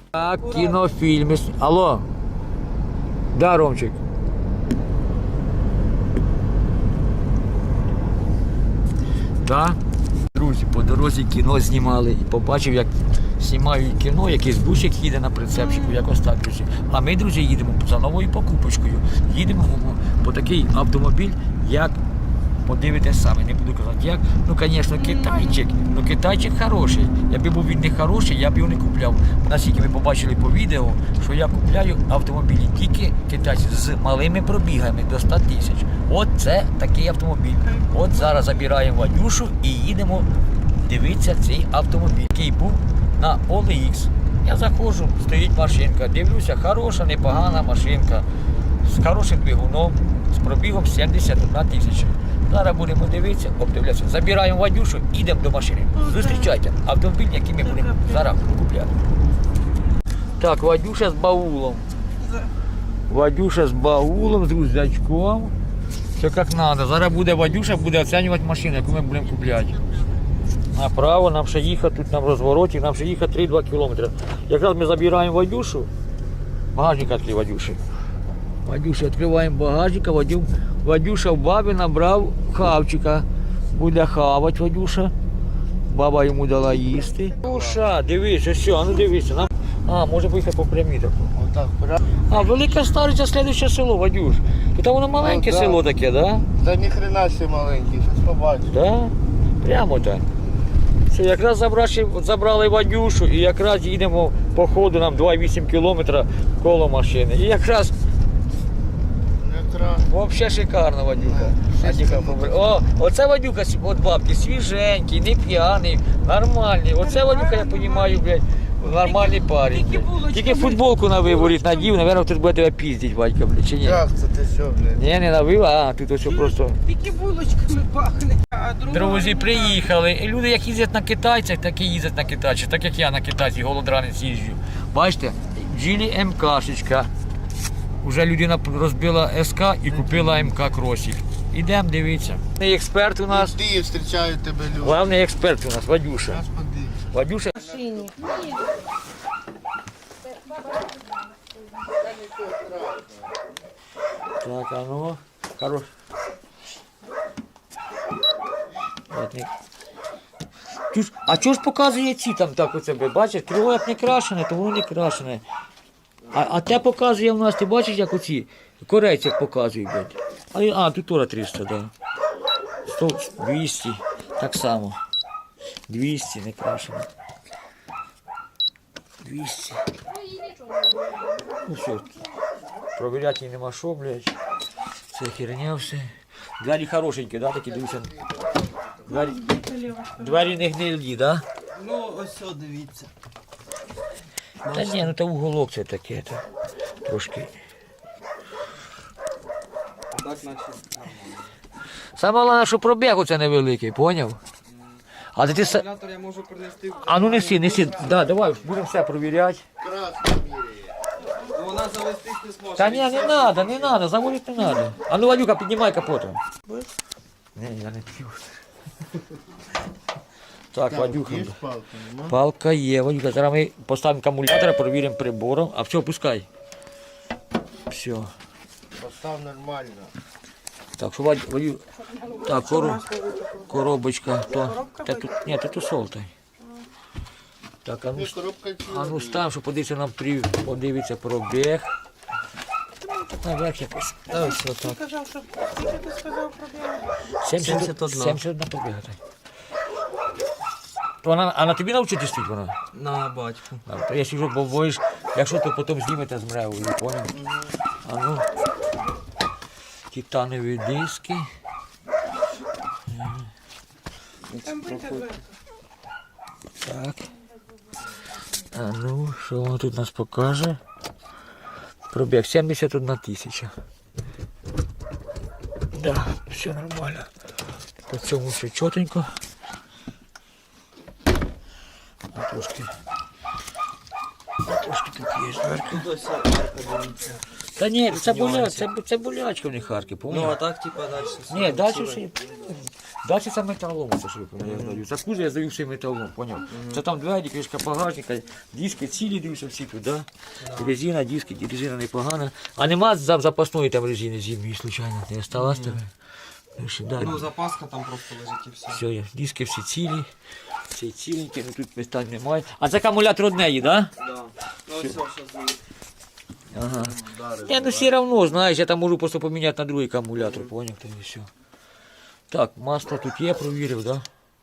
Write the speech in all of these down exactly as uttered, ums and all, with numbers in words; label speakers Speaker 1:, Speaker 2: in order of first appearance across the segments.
Speaker 1: Так, кінофільми. Алло. Да, Ромчик. Да? Друзі, по дорозі кіно знімали і побачив, як знімають кіно, якийсь бусик їде на прицепчику, якось так, друзі. А ми, друзі, їдемо за новою покупочкою. Їдемо по такий автомобіль, як, подивитесь самі, не буду казати як. Ну, звісно, китайчик, ну китайчик хороший. Якби був він не хороший, я б його не купляв. Наскільки ви побачили по відео, що я купляю автомобілі тільки китайці з малими пробігами до ста тисяч. От це такий автомобіль. От зараз забираємо Вадюшу і їдемо дивитися цей автомобіль, який був на о ел ікс. Я заходжу, стоїть машинка, дивлюся, хороша, непогана машинка, з хорошим двигуном, з пробігом сімдесят одна тисяча. Зараз будемо дивитися, обдивлятися. Забираємо Вадюшу, йдемо до машини. Зустрічайте автомобіль, який ми будемо зараз купляти. Так, Вадюша з баулом. Вадюша з баулом, з рюкзачком. Все як треба. Зараз буде Вадюша, буде оцінювати машину, яку ми будемо купляти. Направо, нам ще їхати, тут на розвороті, нам ще їхати три-два кілометри. Якраз ми забираємо Вадюшу. Багажник відкрив Вадюші. Вадюша, відкриваємо багажник, Вадю, Вадюша в бабі набрав хавчика. Буде хавати Вадюша. Баба йому дала їсти. Вадюша, дивися, що, ну дивися. Нам... А, може поїхати по прямій таку.
Speaker 2: Отак, прямо.
Speaker 1: А, Велика Стариця, слідуюче село, Вадюш. Тут воно маленьке
Speaker 2: Ну, да.
Speaker 1: село таке, да?
Speaker 2: Та ніхрена ще маленький, щось побачиш.
Speaker 1: Да? Прямо так. Все, якраз забрали, забрали Вадюшу і якраз їдемо по ходу, нам два вісім кілометра коло машини. І якраз
Speaker 2: Якраз.
Speaker 1: взагалі шикарно, Вадюка. Вадюка побр- О, оце Вадюка від бабки, свіженький, не п'яний, нормальний. Оце Вадюка, я розумію, блядь, нормальний парень. блядь. Тільки футболку на виворіт надів, напевно, хтось буде тебе піздить, Вадька, блядь, чи ні?
Speaker 2: Як це ти що, блядь?
Speaker 1: Ні, не навила, а тут ось просто.
Speaker 3: Тільки булочками пахне. А друга
Speaker 1: Друзі,
Speaker 3: вона-
Speaker 1: приїхали. І люди, як їздять на китайцях, так і їздять на китайцях, так як я на китайцях, голодранець їжджу. Бачите, Джілі МКшечка. Уже людина розбила СК і купила МК кросік. Ідемо, дивіться. Експерт у нас.
Speaker 2: Ти зустрічають тебе люди.
Speaker 1: Главний експерт у нас, Вадюша.
Speaker 2: Зараз подивимось.
Speaker 1: Вадюша.
Speaker 3: машині.
Speaker 1: Так, а ну, хорош. От, Чуж, а чого ж показує ці там так у тебе? Бачиш, крило як не крашене, то воно не крашене. А, а те показує в нас, ти бачиш, як оці корейці як показують, блядь. А, а тут теж триста, так. Да. сто, двісті, так само. двісті не крашене. двісті. Ну все, провіряти її нема що, блядь. Це херня все. Двері хорошенькі, да, такі, дивіться. Двері, двері не гнилі, да?
Speaker 2: Ну, ось о, дивіться.
Speaker 1: Та ні, ну то уголок це таке, то трошки.
Speaker 2: Так, наче.
Speaker 1: Саме головне, що пробіг оце невеликий, поняв? А ти, ти са-
Speaker 2: Акумулятор я можу принести.
Speaker 1: А ну неси, неси, да, давай, будемо все провіряти.
Speaker 2: Красно міряє. Вона завестись не зможе.
Speaker 1: Та ні, не треба, не треба, заводити не треба. А ну, Вадюка, піднімай капотом. Ні, я не п'ю. Так, Вадюха.
Speaker 2: Є палка, нема?
Speaker 1: Палка є, Вадюка, зараз ми поставимо акумулятор, перевіримо прибором. А все, пускай. Все.
Speaker 2: Постав нормально.
Speaker 1: Так, що Вадю, Вадю... Так, коро... коробочка, то... Та тут... Ні, то тут солтай. Так, а ну,
Speaker 2: Ні, коробка ціла.
Speaker 1: а ну став, щоб подивитися нам при... подивитися пробіг. Наверх якось. Ось отак.
Speaker 3: Сказав, що тільки ти сказав про біологію.
Speaker 1: сімдесят одна. сімдесят одна пробіга. То вона, а на тобі навчити стоїть вона?
Speaker 2: На батьку.
Speaker 1: А, то якщо вже побоїш, якщо то потім знімете з мревою, поняв? А ну, титанові диски.
Speaker 3: Там буде дверка.
Speaker 1: Так. А ну, що воно тут нас покаже? Пробіг сімдесят одна тисяча. Да, все нормально. По цьому все чотенько. А трошки. А трошки тут є дверка.
Speaker 2: Тут ось арка дивіться.
Speaker 1: Та ні, це, боля, це, це болячка в них харки,
Speaker 2: Ну, а
Speaker 1: поняв?
Speaker 2: так, типа, далі.
Speaker 1: Ні, далі все. Далі це металом, це що я здаю. За кузов я здаю все металом, поняв? Це там двері, кришка багажника, диски цілі дивлюся всі тут, да? Резина, диски, резина непогана. А нема за- запасної там резини зимньої, случайно, не осталось тебе? Ну, що, да.
Speaker 2: Ну, запаска там просто лежить і все.
Speaker 1: Все, є. Диски всі цілі, всі ціленькі, ну тут питань немає. А це акумулятор однеї, так? Да?
Speaker 2: Да. Ну, ось все, що з
Speaker 1: Ага. Я ну все равно, знаєш, я там можу просто поміняти на другий акумулятор, поняв, то і все. Так, масло тут є, провірив, да?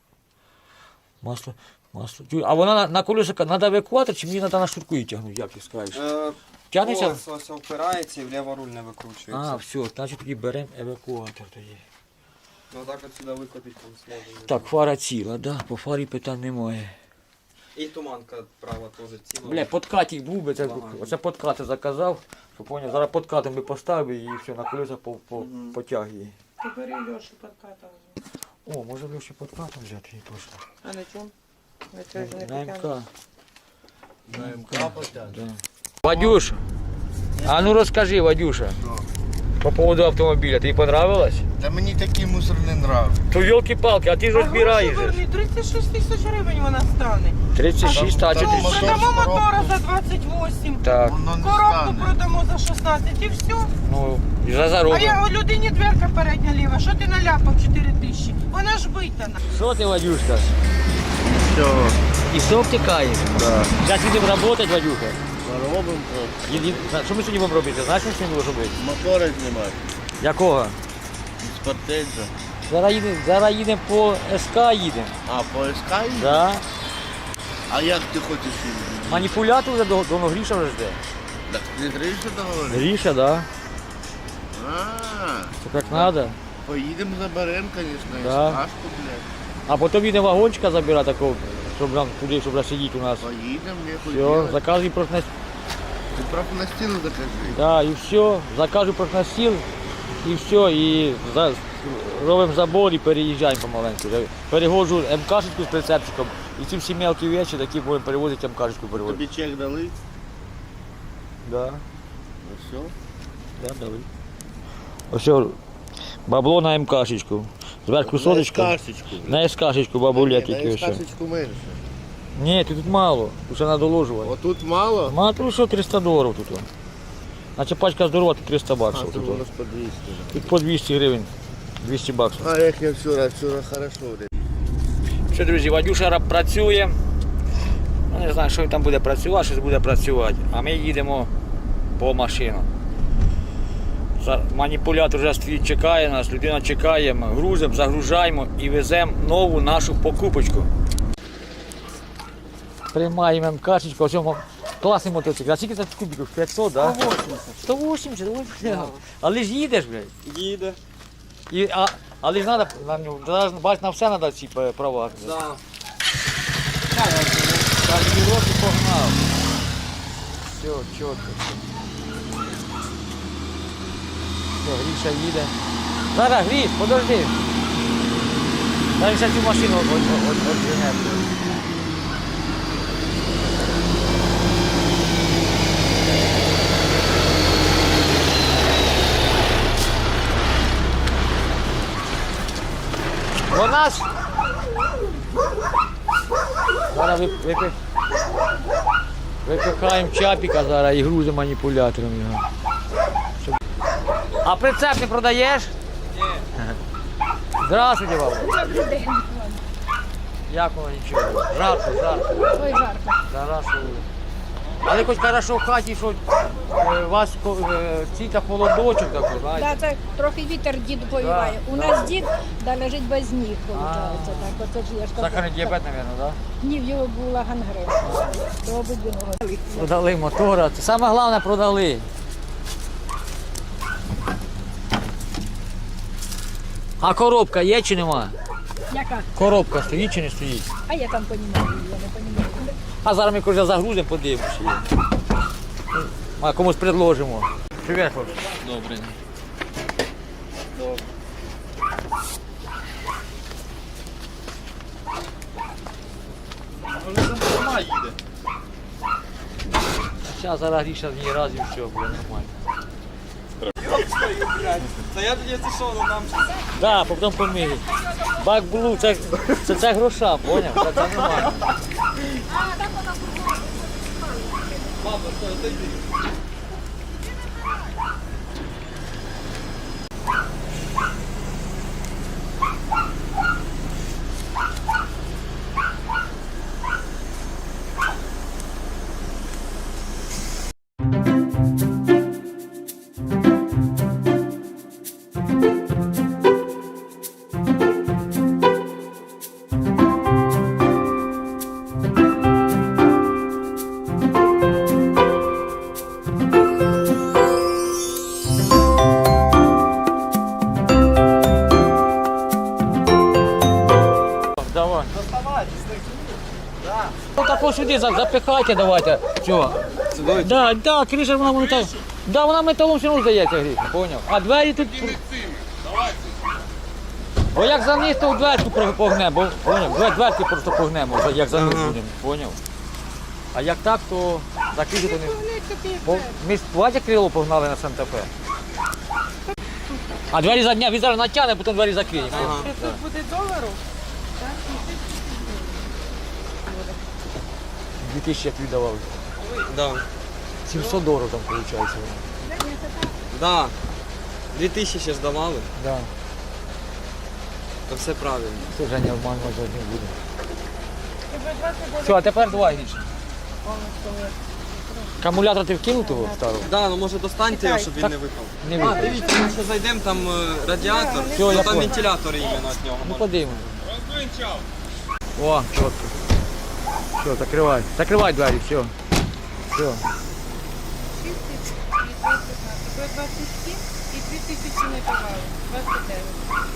Speaker 1: Масло, масло. Чуй, а вона на, на колеса треба евакуатор, чи мені треба на шнурку її тягнути, як ти скажеш?
Speaker 2: Е,
Speaker 1: Тягнеться?
Speaker 2: Ось, ось впирається і вліво руль не викручується.
Speaker 1: А, все, значить тоді беремо евакуатор тоді.
Speaker 2: Ну так от сюди викотить там зможемо.
Speaker 1: Так, фара ціла, да, по фарі питань немає.
Speaker 2: І туманка права теж ціла.
Speaker 1: Бля, подкатик був би, це, оце подкати заказав, що поняв, зараз подкатом би поставив і все, на колеса по, по, потягує.
Speaker 3: Ти бери Льошу подкатом.
Speaker 1: О, може Льоші подкатом взяти і точно.
Speaker 3: А на чому? На цьому ж не
Speaker 1: На
Speaker 3: потягнеш.
Speaker 1: МК.
Speaker 2: На МК потягне.
Speaker 1: Да. Вадюш, а ну розкажи, Вадюша, по поводу автомобіля, тобі понравилось?
Speaker 4: Та мені такий мусор не нравиться.
Speaker 1: То елки-палки, а ти ж
Speaker 3: А
Speaker 1: розбираєш.
Speaker 3: гроші верни, тридцять шість тисяч гривень вона стане.
Speaker 1: тридцять шість, а
Speaker 4: Там
Speaker 1: чи
Speaker 3: Ну,
Speaker 4: мотор,
Speaker 3: продамо
Speaker 4: коробка.
Speaker 3: мотора за двадцять вісім.
Speaker 1: Так,
Speaker 4: Воно не
Speaker 3: Коробку
Speaker 4: стане.
Speaker 3: продамо за шістнадцять і все.
Speaker 1: ну, і за
Speaker 3: А
Speaker 1: заробок.
Speaker 3: я у людині дверка передня ліва, що ти наляпав чотири тисячі? Вона ж витана.
Speaker 1: Що ти, Вадюшка?
Speaker 4: Все,
Speaker 1: І сок тікаєш?
Speaker 4: да.
Speaker 1: Зараз їдемо працювати, Вадюха.
Speaker 4: Робимо
Speaker 1: Їд- їд- Що ми сьогодні будемо робити? Знаєш, що ми сьогодні будемо робити?
Speaker 4: мотори знімати.
Speaker 1: Якого?
Speaker 4: З портенза.
Speaker 1: Зараз їдемо, зараз їдемо по СК їдемо.
Speaker 4: А, по СК їде?
Speaker 1: Да.
Speaker 4: А як ти хочеш їздити?
Speaker 1: Маніпулятор вже до, до Гріша вже жде.
Speaker 4: Так не Гриша договорити?
Speaker 1: Гріша, да.
Speaker 4: А,
Speaker 1: Це як треба.
Speaker 4: поїдемо заберемо, звісно,
Speaker 1: Да.
Speaker 4: СКшку, блядь.
Speaker 1: А потім їде вагончика забирати такого, щоб нам туди, щоб сидіти у нас.
Speaker 4: Поїдемо, нехуй
Speaker 1: Все,
Speaker 4: делать.
Speaker 1: заказуй профнастил.
Speaker 4: Ти просто на стіну закажи.
Speaker 1: Да, і все, заказуй профнастил, і все, і за, робимо забор і переїжджаємо помаленьку. Вже переводжу МКшечку з прицепчиком, і ці всі мелкі речі, такі будемо перевозити МКшечку перевозити.
Speaker 4: Тобі чек дали?
Speaker 1: Да,
Speaker 4: Ну все.
Speaker 1: да, дали. Ось бабло на МКшечку. Зверху соточку.
Speaker 4: На СКшечку.
Speaker 1: На СКшечку бабуля тільки
Speaker 4: На
Speaker 1: ось.
Speaker 4: СКшечку менше.
Speaker 1: Ні, тут мало, тут ще треба доложувати.
Speaker 4: Отут мало?
Speaker 1: Мало тут що триста доларів тут. Наче пачка здорова, тут триста
Speaker 4: А,
Speaker 1: баксів.
Speaker 4: тут
Speaker 1: Тут,
Speaker 4: у нас по двісті.
Speaker 1: тут по двісті гривень, двісті баксів.
Speaker 4: А як я вчора, вчора хорошо. блядь.
Speaker 1: Що, друзі, Вадюша раб працює. Ну, не знаю, що він там буде працювати, щось буде працювати. А ми їдемо по машину. За- Маніпулятор вже стоїть, чекає нас, людина чекає, ми грузимо, загружаємо і веземо нову нашу покупочку. Приймаємо МКшечку, ось цьому класний мотоцикл. А скільки це кубиків? п'ятсот, так? Да? сто вісімдесят, ой, але ж їдеш, блядь.
Speaker 2: Їде.
Speaker 1: І, а, але ж треба, на нього, зараз, бач, на все треба ці е, права.
Speaker 2: Да.
Speaker 1: Так, і роки погнав. Все, чітко. Все, Гріша їде. Зараз, Гріш, подожди. Зараз ще цю машину от, от, от, от, відженемо. Вона ж... Зараз ви- випи- випихаємо чапіка зараз і грузимо маніпулятором його. Щоб- А прицеп не продаєш?
Speaker 2: Ні.
Speaker 1: Здравствуйте, бабу. Як воно нічого? Жарко, жарко.
Speaker 5: Ой, жарко.
Speaker 1: Зараз. Але хоч хорошо в хаті, що е, у вас ко- е, ці та холодочок такий, знаєте.
Speaker 5: Да, це трохи вітер дід повіває. У нас дід да, лежить без ніг, виходить. Так, оце ж я ж кажу.
Speaker 1: Сахарний діабет, мабуть, так?
Speaker 5: Ні, в його була гангрена. Робить він його.
Speaker 1: Продали мотора. Це саме головне продали. А коробка є чи нема?
Speaker 5: Яка?
Speaker 1: Коробка стоїть чи не стоїть?
Speaker 5: А я там понімаю, я не понімаю.
Speaker 1: А зараз ми коли загрузимо, подивимося. її. А комусь предложимо. Привіт, хлопці.
Speaker 2: Добре. Вона їде.
Speaker 1: Зараз зараз Гріша в ній раз і все, буде нормально.
Speaker 2: Та я тоді це що, ну там
Speaker 1: Так, да, потім помиють. Бак Блу, це, це, це гроша, поняв? Це, це нормально. Давай. Ну так ось сюди за- запихайте, давайте. Чого?
Speaker 2: Сюди?
Speaker 1: Да, да, криша вона металом. Да, вона металом все одно здається, Гріша, поняв. А двері тут. Бо як заниз, то в дверку про- погнемо, бо поняв, Двер- дверки просто погнемо, за- як заниз
Speaker 2: Ага.
Speaker 1: будемо, поняв. А як так, то закрити то не.
Speaker 3: Вони тобі
Speaker 1: Бо ми з Вадя крило погнали на Санта-Фе. А двері за дня, він зараз натягне, потім двері закриє.
Speaker 2: Ага.
Speaker 3: Це тут буде долару.
Speaker 1: Дві тисячі як віддавав.
Speaker 2: Да.
Speaker 1: сімсот доларів там виходить.
Speaker 2: Да. Дві тисячі ще здавали,
Speaker 1: Да.
Speaker 2: то все правильно.
Speaker 1: Це вже не обманувати не буде. Все, а тепер давай Гріша. Акумулятор ти вкинув того старого?
Speaker 2: Да, ну може достаньте його, щоб він не випав.
Speaker 1: Не
Speaker 2: А,
Speaker 1: вийде.
Speaker 2: дивіться, ми ще зайдемо, там е, радіатор,
Speaker 1: Все,
Speaker 2: ну,
Speaker 1: я
Speaker 2: там
Speaker 1: понял.
Speaker 2: вентилятор іменно від нього.
Speaker 1: Ну
Speaker 2: може.
Speaker 1: подивимось. О, чітко. Все, закривай. Закривай двері, все. Все.
Speaker 3: двадцять сім і дві тисячі не давали. двадцять дев'ять.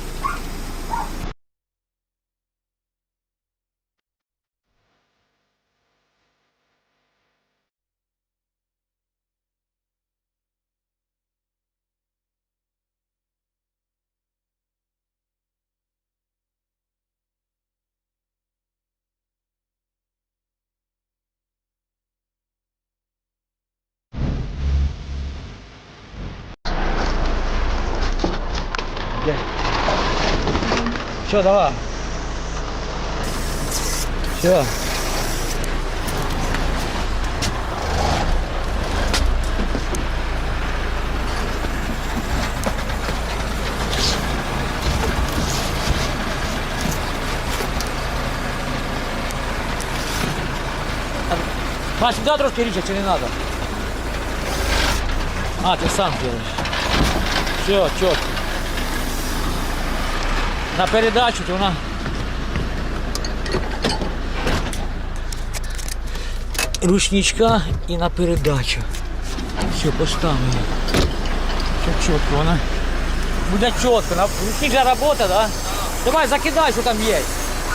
Speaker 1: Все, давай. Все. А сюда трошки річа, чи не надо? А, ти сам делаешь. Все, чітко. На передачу, то вона ручничка і на передачу. Все, поставили. Все чітко, вона буде чітко. На ручник же робота, да? Давай закидай, що там є.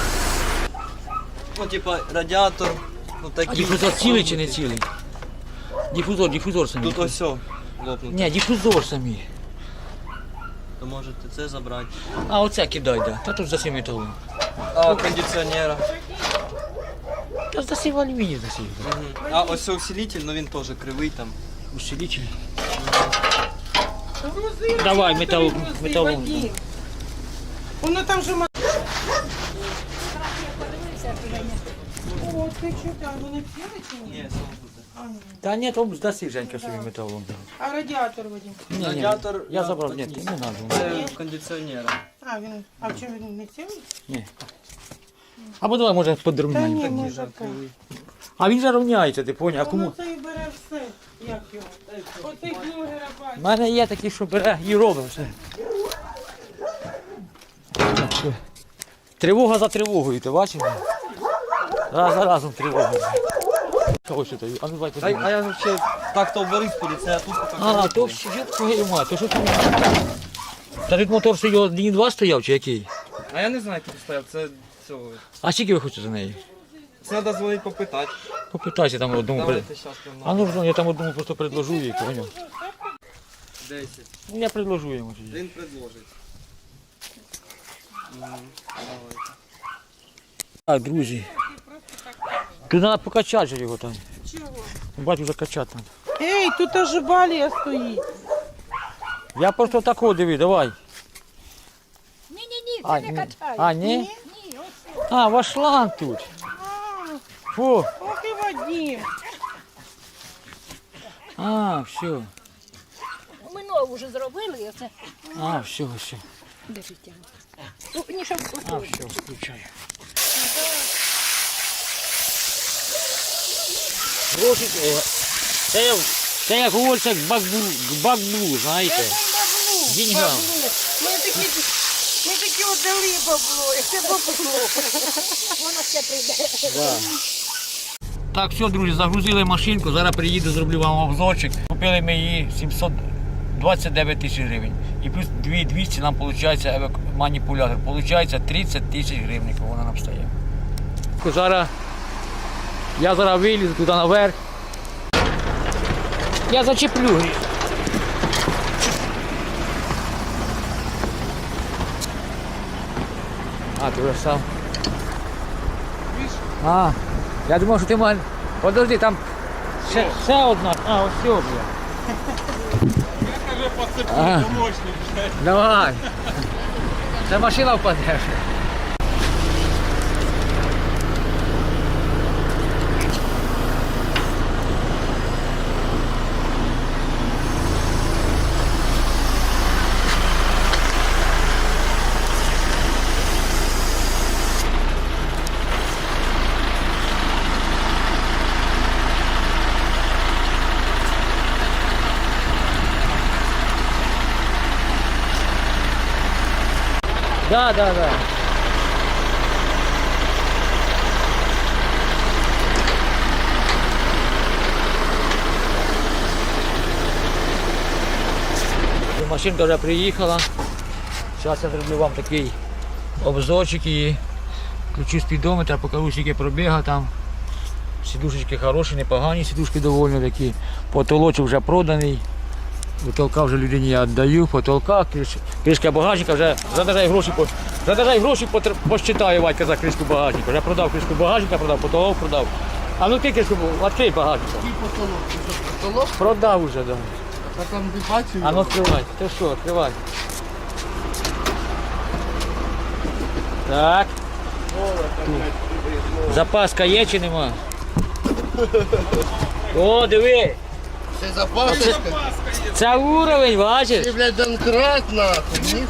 Speaker 2: Ну, типа радіатор, ну
Speaker 1: А
Speaker 2: такий.
Speaker 1: дифузор цілий чи не цілий? Дифузор, дифузор самі.
Speaker 2: Тут ось все лопнуто.
Speaker 1: Ні, дифузор самі.
Speaker 2: То можете це забрати.
Speaker 1: А оце кидай, да. Та тут засів металом.
Speaker 2: А кондиціонера.
Speaker 1: Та засів алюміній засів.
Speaker 2: Мгм. А ось це усилитель, ну він теж кривий там.
Speaker 1: Усилитель.
Speaker 3: Грузи,
Speaker 1: Давай,
Speaker 3: грузи,
Speaker 1: метал-
Speaker 3: грузи,
Speaker 1: металом.
Speaker 3: Вадим. Воно там же ма- О, ти що там, вони п'яли чи ні?
Speaker 2: Ні, сам тут.
Speaker 3: А, ні.
Speaker 1: Та ні, то здаси Женька собі металом.
Speaker 3: А радіатор, Вадим?
Speaker 1: Ні, ні,
Speaker 2: Радіатор
Speaker 1: я
Speaker 2: на
Speaker 1: забрав, ні,
Speaker 2: такий.
Speaker 1: не надо.
Speaker 2: Це кондиціонера.
Speaker 3: А, він, а в чому він не цілий?
Speaker 1: Ні. Або давай, може,
Speaker 3: Та
Speaker 1: подровняємо.
Speaker 3: ні,
Speaker 2: Такий
Speaker 3: може
Speaker 2: же
Speaker 3: так.
Speaker 2: кривий.
Speaker 1: А він же рівняється, ти поняв, а
Speaker 3: Воно
Speaker 1: кому?
Speaker 3: це і бере все, як його. Оцей блогера
Speaker 1: У
Speaker 3: бачить.
Speaker 1: мене є такі, що бере і робить все. Так, що? Тривога за тривогою, ти бачиш? Раз за разом тривога. Ось що тобі, а ну давай
Speaker 2: А,
Speaker 1: подивимось.
Speaker 2: а я взагалі так-то в Борисполі, це я тут так.
Speaker 1: А, то все, твою мать, то що ти? Та тут мотор що його один два стояв чи який?
Speaker 2: А я не знаю, як тут стояв, це цього.
Speaker 1: А скільки ви хочете за неї?
Speaker 2: Це треба дзвонити попитати.
Speaker 1: Попитайся там одному. при-
Speaker 2: Давайте зараз прямо.
Speaker 1: А ну ж, я там одному просто предложу їй, поняв?
Speaker 2: десять.
Speaker 1: Ну я предложу йому тоді.
Speaker 2: Він предложить. Мгм, давайте.
Speaker 1: Так, друзі. Тут треба покачати же його там.
Speaker 3: Чого?
Speaker 1: Бачу, вже качати треба.
Speaker 3: Ей, тут аж балія стоїть.
Speaker 1: Я просто такого диви, давай.
Speaker 5: Ні-ні-ні,
Speaker 1: А,
Speaker 5: не
Speaker 1: ні.
Speaker 5: качаю.
Speaker 1: А, ні?
Speaker 5: Ні, ось.
Speaker 1: А, ваш шланг тут. Фу.
Speaker 3: Ох і Вадим.
Speaker 1: А, все.
Speaker 5: Ми нову вже зробили, і оце.
Speaker 1: А, все, все.
Speaker 5: Де життя? Ну, ні, щоб
Speaker 1: А, все, включаю. Гроші, е, це, як- це як говориться, бакблу, бакблу, знаєте.
Speaker 3: Баблу,
Speaker 1: Деньгам.
Speaker 3: баблу. Ми такі, ми такі отдали бабло, і це бабло.
Speaker 5: воно ще прийде.
Speaker 1: Так, все, друзі, загрузили машинку, зараз приїду, зроблю вам обзорчик. Купили ми її сімсот двадцять дев'ять тисяч гривень. І плюс дві тисячі двісті нам виходить маніпулятор. Получається тридцять тисяч гривень, вона нам стає. Зараз я зараз вилізу туди наверх. Я зачеплю. А, ти вже сам. А, я думав, що ти маєш. Подожди, там ще, ще одна. А, ось все, бля.
Speaker 2: Я кажу, посиплю,
Speaker 1: Ага.
Speaker 2: помощник.
Speaker 1: Давай. Це машина впаде. Да, да, да. Машинка вже приїхала. Зараз я зроблю вам такий обзорчик і включу спідометр, покажу, скільки пробіга там. Сідушечки хороші, непогані, сідушки доволі такі. Потолочок вже проданий. Потолка вже людині я віддаю, потолка, криш- кришка багажника, вже задержай гроші, по- задержай гроші, потр- посчитаю Вадька за кришку багажника. Вже продав кришку багажника, продав, потолок продав. А ну ти кришку, відкрий багажника.
Speaker 4: Який потолок? Ти що, потолок?
Speaker 1: Продав вже, да.
Speaker 4: А там ти бачив?
Speaker 1: А ну відкривай. Ти що, відкривай. Так. Запаска є чи нема? О, диви.
Speaker 4: Це запасочка?
Speaker 1: Це уровень, бачиш?
Speaker 4: Ти, блядь, донкрат нахуй. Ні...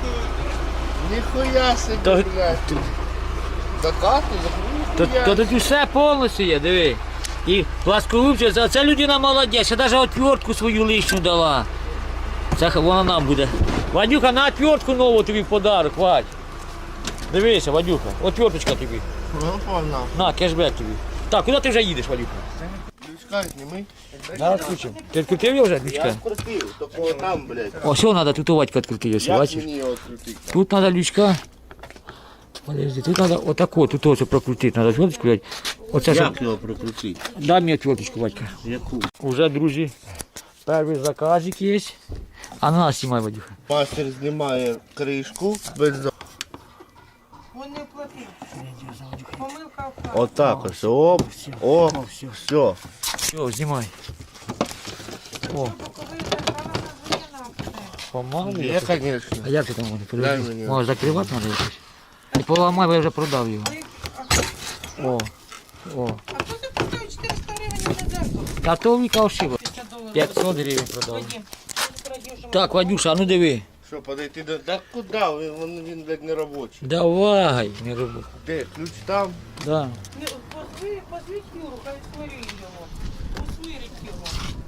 Speaker 4: Ніхуя собі,
Speaker 1: То-
Speaker 4: блядь. До хати,
Speaker 1: То,
Speaker 4: ніхуя.
Speaker 1: то тут все повністю є, диви. І пласкорубче, а це людина молодець, ще навіть отвертку свою лишню дала. Це х- вона нам буде. Вадюха, на отвертку нову тобі в подарок, Вадь. Дивися, Вадюха, отверточка тобі.
Speaker 4: Ну, погнав.
Speaker 1: На, кешбек тобі. Так, куди ти вже їдеш, Вадюха?
Speaker 4: Лючка зніми.
Speaker 1: Зараз включимо. Ти відкрутив його вже,
Speaker 4: Я
Speaker 1: лючка?
Speaker 4: скрутив, тільки там, блядь.
Speaker 1: О, все треба, тут у Вадька відкрутив, ось,
Speaker 4: Як
Speaker 1: бачиш?
Speaker 4: мені його відкрутити?
Speaker 1: Тут треба лючка. Подожди, тут треба отако, тут ось прокрутити, треба отверточку взяти. Оце щоб...
Speaker 4: Як його прокрутити?
Speaker 1: Дай мені отверточку, Вадька.
Speaker 4: Яку?
Speaker 1: Уже, друзі, перший заказик є. А на нас знімай, Вадюха.
Speaker 4: Пастир знімає кришку без за...
Speaker 3: Він не платив. Помилка в хаті.
Speaker 4: Отак ось, оп, оп,
Speaker 1: все.
Speaker 4: все.
Speaker 1: Все, знімай. О,
Speaker 3: Коли забрала на звіна все.
Speaker 1: помалу.
Speaker 4: Є, звісно.
Speaker 1: А як ти там вони?
Speaker 4: Дай
Speaker 1: Подожди.
Speaker 4: мені.
Speaker 1: Може закривати треба якось? І поламай, бо я вже продав його. О, о.
Speaker 3: А хто ти поставив чотириста гривень на дзеркало?
Speaker 1: Та то Віка ошиба.
Speaker 3: тисяча доларів.
Speaker 1: п'ятсот гривень продав.
Speaker 3: Вадим, ти радів, що
Speaker 1: Так, Вадюша, а ну диви.
Speaker 4: Що, подойти до... Так куди? Він, він, він блядь, не робочий.
Speaker 1: Давай, не роби.
Speaker 4: Де? Ключ там?
Speaker 1: Да.
Speaker 3: Не, позви, позвіть Юру, хай сварить його. Усвирить його.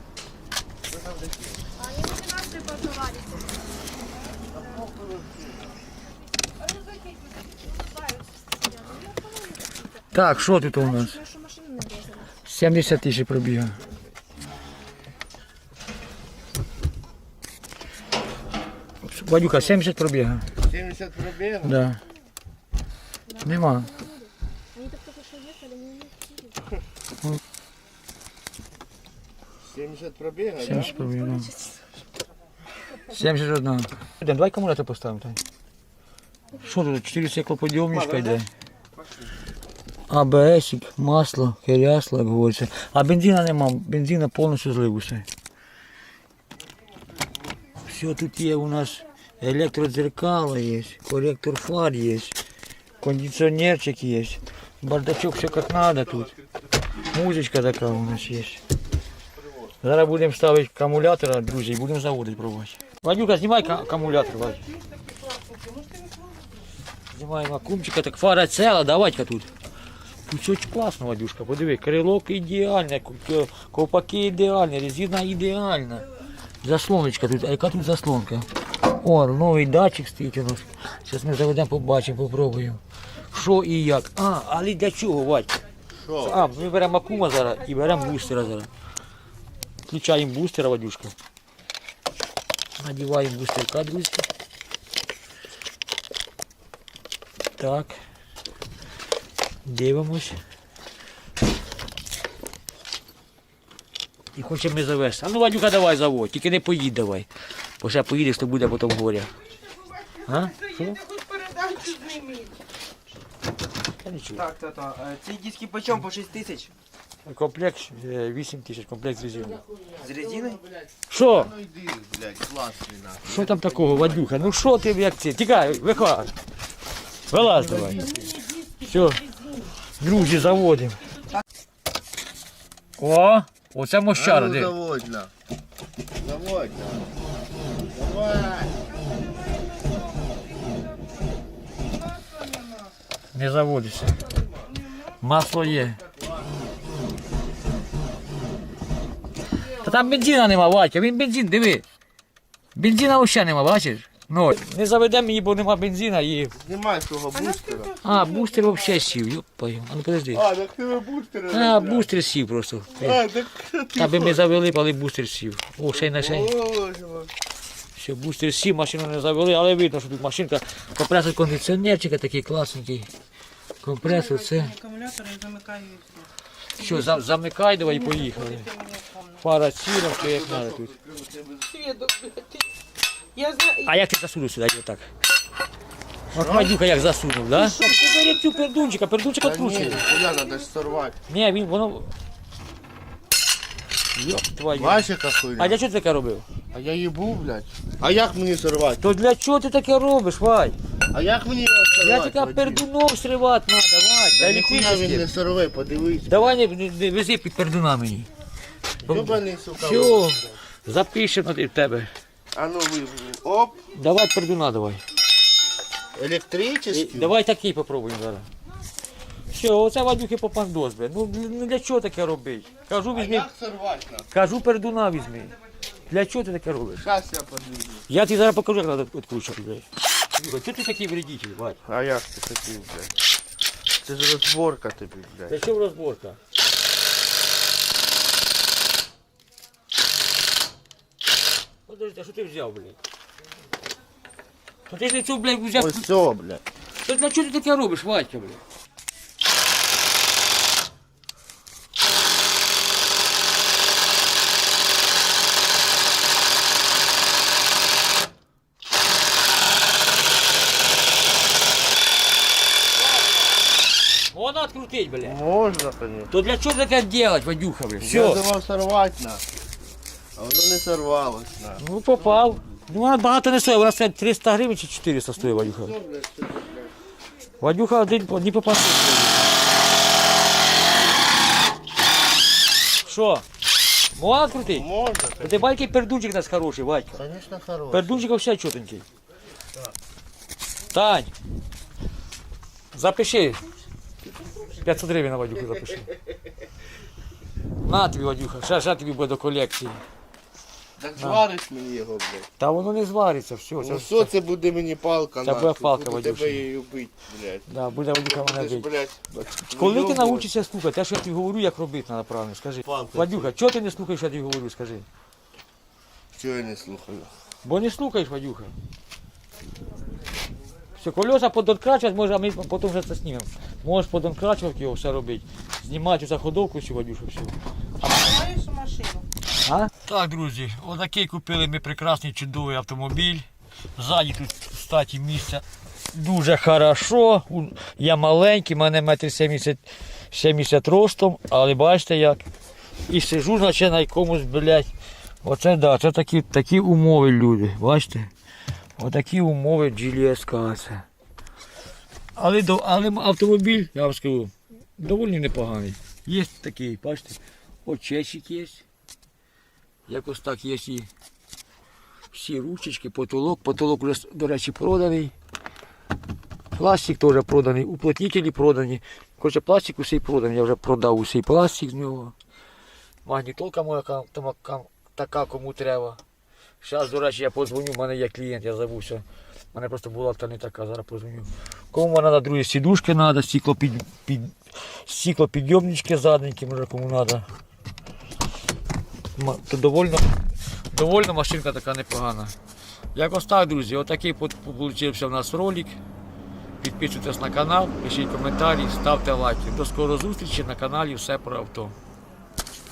Speaker 1: Так, що тут у нас? сімдесят тисяч пробіга. Вадюха, сімдесят пробіга.
Speaker 4: сімдесят пробіг?
Speaker 1: Да. Нема.
Speaker 4: сімдесят пробіг, да?
Speaker 1: сімдесят пробіга, да. сімдесят один. Давай акумулятор поставимо. Тань. Що тут? чотири циклоподйомничка йде. АБСик, масло, керясло, як говориться. А бензина нема, бензина повністю злив усе. Все тут є у нас Электродзеркало есть, корректор фар есть, кондиционерчик есть, бардачок все как надо тут. Музычка такая у нас есть. Зараз будемо ставити акумулятор, друзі, і будемо заводити пробувати. Вадюка, знімай ка- акумулятор, Вадь. Знімаємо акумчика, так фара ціла, давай-ка тут. Тут все класно, Вадюшка, подиви, крилок ідеальне, ку- ковпаки ідеальні, резина ідеальна. Заслоночка тут, а яка тут заслонка? О, новий датчик стоїть у нас. Зараз ми заведемо, побачимо, попробуємо. Що і як. А, але для чого, Вадь?
Speaker 4: Що?
Speaker 1: А, ми беремо акума зараз і беремо бустера зараз. Включаємо бустера, Вадюшка. Надіваємо бустерка, друзі. Так. Дивимось. І хочемо ми завести. А ну, Вадюка, давай заводь, тільки не поїдь давай. Бо ще поїдеш, то буде потім горя. А? Що?
Speaker 3: Ти хоч передачу зніміть.
Speaker 1: Я нічого.
Speaker 2: Так, тато, е, ці диски по чому? По шість тисяч?
Speaker 1: Комплект е, вісім тисяч, комплект з резиною.
Speaker 2: З резиною?
Speaker 1: Що?
Speaker 4: Ну йди, блядь, класний нахуй.
Speaker 1: Що там такого, Вадюха? Ну що ти як це? Тікай, виходь. Вилазь давай. Все. Друзі, заводимо. О, оце мощара,
Speaker 4: Ну,
Speaker 1: де?
Speaker 4: заводь на. Заводь на. Давай.
Speaker 1: Не заводиться. Масло є. Та там бензина нема, Ватя, він бензин, диви. Бензина взагалі нема, бачиш? Ну, не заведемо її, бо нема бензина і...
Speaker 4: Знімай свого бустера.
Speaker 1: А, бустер взагалі сів, йопаю. А ну подожди.
Speaker 4: А, так тебе бустера.
Speaker 1: А, бустер сів просто.
Speaker 4: А, так ти.
Speaker 1: Та би ми завели, але бустер сів. О, ще й на шеї.
Speaker 4: Боже мой.
Speaker 1: Все, бустер сів, машину не завели, але видно, що тут машинка. Компресор кондиціонерчика такий класненький. Компресор, це.
Speaker 3: Акумулятор я замикаю і все.
Speaker 1: Що, за- замикай, давай і поїхали. Фара ціла, все як треба тут.
Speaker 3: Свідок, ти- я знаю.
Speaker 1: А як ти засунув сюди, отак? От Вадюка як засунув, да? Ти бери цю пердунчика, пердунчик
Speaker 4: Та ні,
Speaker 1: відкручує.
Speaker 4: ніхуя, надо ж сорвати.
Speaker 1: Ні, він, воно... Йоп, твою.
Speaker 4: Бачиш, яка хуйня?
Speaker 1: А для чого ти таке робив?
Speaker 4: А я їбу, блядь. А як мені сорвати?
Speaker 1: То для чого ти таке робиш, Вадь?
Speaker 4: А як мені його сорвати?
Speaker 1: Я тільки
Speaker 4: Вадим?
Speaker 1: пердуном сривати треба, Вадь.
Speaker 4: Та
Speaker 1: Та
Speaker 4: ніхуя він
Speaker 1: електричний.
Speaker 4: не сорве, подивись.
Speaker 1: Давай не, не, не вези під пердуна мені.
Speaker 4: Ёбаний, сука.
Speaker 1: Все, запишемо в тебе.
Speaker 4: А ну ви, оп,
Speaker 1: Давай пердуна, давай. І
Speaker 4: електричний.
Speaker 1: давай такий попробуємо зараз. Все, оце Вадюхи попандос, бля. Ну для- ну, для чого таке робити? Кажу,
Speaker 4: А
Speaker 1: візьми,
Speaker 4: як сорвати нас?
Speaker 1: кажу, пердуна візьми. Для чого ти таке робиш?
Speaker 4: Щас я подивлю.
Speaker 1: Я тобі зараз покажу, як треба відкручувати, блядь. Вадюха, чого ти такий вредитель, Вадь?
Speaker 4: А як ти такий, блядь? Це ж розборка тобі, блядь.
Speaker 1: Для чого розборка? Подожди, а що ти взяв, блядь? Та ти ж не цю, блядь, взяв.
Speaker 4: Ось все, блядь.
Speaker 1: Та для чого ти таке робиш, Вадька, блядь? Вона открутить, блядь.
Speaker 4: Можна, конечно.
Speaker 1: То для чого таке делать, Вадюха, блядь?
Speaker 4: Я
Speaker 1: Все.
Speaker 4: думав сорвати на. А воно не сорвалось на.
Speaker 1: Ну попав. Ну вона багато не стоїть, вона стоїть триста гривень чи чотириста стоїть, Вадюха.
Speaker 4: Все, блядь, все, блядь.
Speaker 1: Вадюха один не попав. Що? Можна відкрутити?
Speaker 4: Можна,
Speaker 1: Та ти бачиш, який пердунчик у нас хороший, Вадька.
Speaker 4: конечно, хороший.
Speaker 1: Пердунчик взагалі чотенький. Тань, запиши. п'ятсот гривень на Вадюху запиши. На тобі, Вадюха, ще, ще тобі буде до колекції.
Speaker 4: Так звариш мені його, блядь.
Speaker 1: Та воно не звариться, все. Це,
Speaker 4: Ну все, це буде мені палка,
Speaker 1: Це буде
Speaker 4: нахуй.
Speaker 1: палка,
Speaker 4: Буду
Speaker 1: Вадюша.
Speaker 4: тебе її бить, блядь.
Speaker 1: да, буде Вадюха
Speaker 4: Ти
Speaker 1: мене
Speaker 4: ж,
Speaker 1: бити.
Speaker 4: блядь,
Speaker 1: Коли ти
Speaker 4: вийобувати.
Speaker 1: навчишся слухати, те, що я тобі говорю, як робити треба правильно, скажи.
Speaker 4: Палка.
Speaker 1: Вадюха, чого ти не слухаєш, що я тобі говорю, скажи.
Speaker 4: Чого я не слухаю?
Speaker 1: Бо не слухаєш, Вадюха. Все, колеса подонкрачувати, може, а ми потім вже це знімемо. Можеш подонкрачувати його, все робити. Знімати за ходовку всю, Вадюша, все.
Speaker 3: Маєш машину.
Speaker 1: А? Так, друзі, отакий купили ми прекрасний чудовий автомобіль. Ззаді тут, кстати, місця дуже хорошо. У- Я маленький, в мене метр сімдесят, сімдесят ростом, але бачите як. І сижу, значить, на якомусь, блядь. Оце да, це такі, такі умови, люди. Бачите? Отакі умови джі ел ес це. Але, до- але автомобіль, я вам скажу, доволі непоганий. Є такий, бачите, очечик є. Якось так є і всі ручечки, потолок. Потолок вже, до речі, проданий. Пластик теж проданий, уплотнителі продані. Коротше, пластик усій проданий, я вже продав усій пластик з нього. Магнітолка моя ка- там- ка- така, кому треба. Зараз, до речі, я подзвоню, в мене є клієнт, я забувся. У мене просто була та не така, зараз подзвоню. Кому треба, другі сідушки треба, стеклопід, під, стеклопідйомнички задненькі, може кому треба. Ма- То довольно, довольно машинка така непогана. Якось так, друзі, отакий вийшов у нас ролик. Підписуйтесь на канал, пишіть коментарі, ставте лайки. До скорої зустрічі на каналі Все про авто.